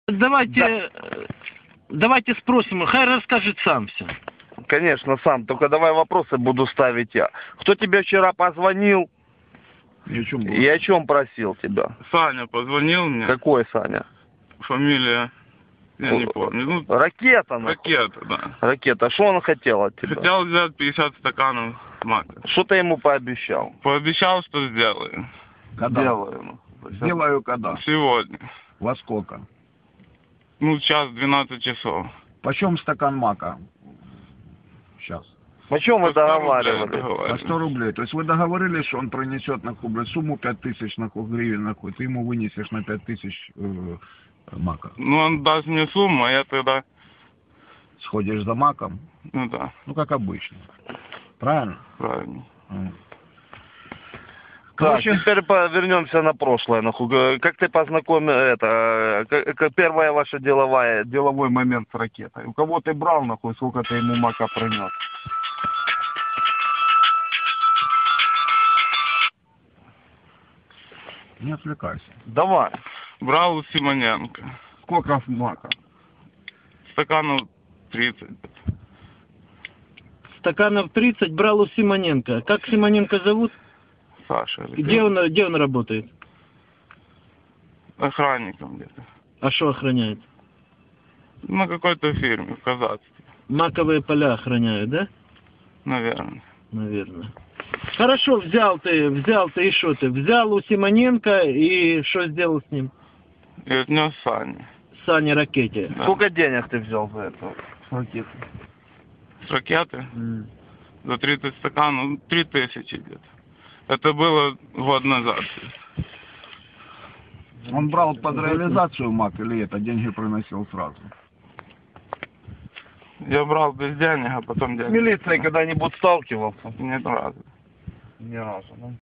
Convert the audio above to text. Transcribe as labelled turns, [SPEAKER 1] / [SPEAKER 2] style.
[SPEAKER 1] Давайте спросим, хай расскажет сам все.
[SPEAKER 2] Конечно, сам. Только давай вопросы буду ставить я. Кто тебе вчера позвонил? И о чем просил тебя?
[SPEAKER 3] Саня позвонил мне.
[SPEAKER 2] Какой Саня?
[SPEAKER 3] Фамилия, я не помню. Ну,
[SPEAKER 2] Ракета, нахуй.
[SPEAKER 3] Ракета, да.
[SPEAKER 2] Ракета. Что он хотел от тебя?
[SPEAKER 3] Хотел взять 50 стаканов мака.
[SPEAKER 2] Что ты ему пообещал?
[SPEAKER 3] Пообещал, что сделаю.
[SPEAKER 4] Когда?
[SPEAKER 2] Делаю.
[SPEAKER 4] Сделаю когда?
[SPEAKER 3] Сегодня.
[SPEAKER 4] Во сколько?
[SPEAKER 3] Ну, сейчас 12 часов.
[SPEAKER 4] Почем стакан мака? Сейчас.
[SPEAKER 2] О чем вы
[SPEAKER 3] По 100 рублей
[SPEAKER 2] договаривались?
[SPEAKER 4] По
[SPEAKER 3] договаривались.
[SPEAKER 4] 100 рублей. То есть вы договорились, что он принесет нахуй, блядь, сумму 5000 нахуй гривен, нахуй. Ты ему вынесешь на 5000 мака.
[SPEAKER 3] Ну, он даст мне сумму, а я тогда...
[SPEAKER 4] Сходишь за маком.
[SPEAKER 3] Ну да,
[SPEAKER 4] Ну, как обычно. Правильно?
[SPEAKER 3] правильно.
[SPEAKER 2] Так,
[SPEAKER 4] Короче,
[SPEAKER 2] теперь вернемся на прошлое. Нахуй. Как ты познакомил, первая ваша деловой момент с Ракетой? У кого ты брал, нахуй, сколько ты ему мака принес?
[SPEAKER 4] не отвлекайся.
[SPEAKER 2] Давай.
[SPEAKER 3] Брал у Симоненко.
[SPEAKER 2] Сколько мака?
[SPEAKER 3] Стаканов 30.
[SPEAKER 1] Стаканов 30 брал у Симоненко. Как Симоненко зовут?
[SPEAKER 3] Саша.
[SPEAKER 1] Где он работает?
[SPEAKER 3] Охранником где-то.
[SPEAKER 1] А что охраняет?
[SPEAKER 3] На какой-то фирме в Казахстане.
[SPEAKER 1] Маковые поля охраняют, да?
[SPEAKER 3] Наверное.
[SPEAKER 1] Наверное. Хорошо, взял ты и что ты? Взял у Симоненко и что сделал с ним?
[SPEAKER 3] И отнес Сане.
[SPEAKER 1] Сане Ракете.
[SPEAKER 3] Да.
[SPEAKER 2] Сколько денег ты взял за это? Ракету?
[SPEAKER 3] С ракеты? За 30 стаканов, 3000 где-то. Это было год назад.
[SPEAKER 4] Он брал под реализацию мак или это деньги приносил сразу?
[SPEAKER 3] Я брал без денег, а потом
[SPEAKER 2] С
[SPEAKER 3] денег.
[SPEAKER 2] милицией когда-нибудь сталкивался?
[SPEAKER 3] Нет разу.
[SPEAKER 2] Ни разу, да?